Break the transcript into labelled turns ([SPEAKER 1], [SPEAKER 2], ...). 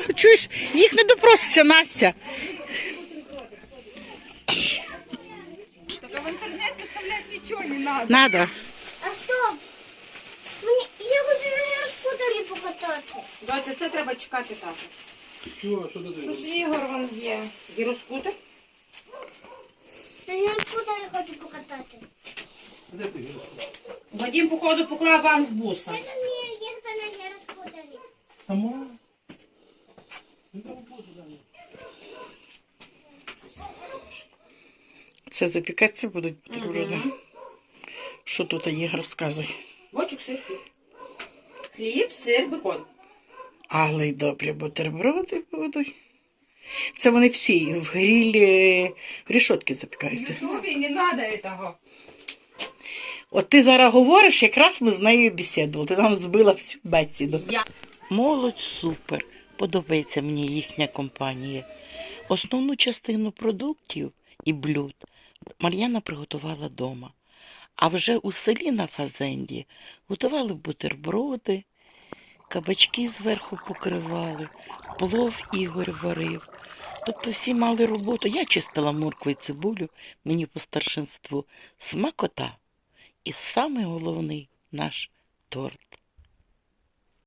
[SPEAKER 1] Чуєш, їх не допроситься, Настя.
[SPEAKER 2] Так в интернет выставлять ничего не надо.
[SPEAKER 1] Надо.
[SPEAKER 3] А стоп! Я хочу на розпуталі покатати.
[SPEAKER 2] Доця, це треба чекати так.
[SPEAKER 4] Що ти
[SPEAKER 2] Ну ж Ігор вон є. Гіроскутер?
[SPEAKER 3] Я на розпуталі хочу покатати.
[SPEAKER 4] Де ти?
[SPEAKER 2] Вадим, походу, поклав вам в буса.
[SPEAKER 3] Я ж вмію їхати на розпуталі.
[SPEAKER 2] Сама?
[SPEAKER 1] Це запікатися будуть бутерброди. Що тут Ігор розказує?
[SPEAKER 2] Бочок, сир, хліб. Хліб, сир, бекон.
[SPEAKER 1] Але й добрі бутерброди будуть. Це вони всі в грілі, в рішотки
[SPEAKER 2] В
[SPEAKER 1] запікаються.
[SPEAKER 2] Ютубі не надо этого.
[SPEAKER 1] От ти зараз говориш, якраз ми з нею бесідували. Ти нам збила всю бесіду.
[SPEAKER 2] Я.
[SPEAKER 1] Молодь супер. Подобається мені їхня компанія. Основну частину продуктів і блюд Мар'яна приготувала вдома. А вже у селі на Фазенді готували бутерброди, кабачки зверху покривали, плов Ігор варив. Тобто всі мали роботу. Я чистила моркву і цибулю, мені по старшинству смакота. І самий головний наш торт.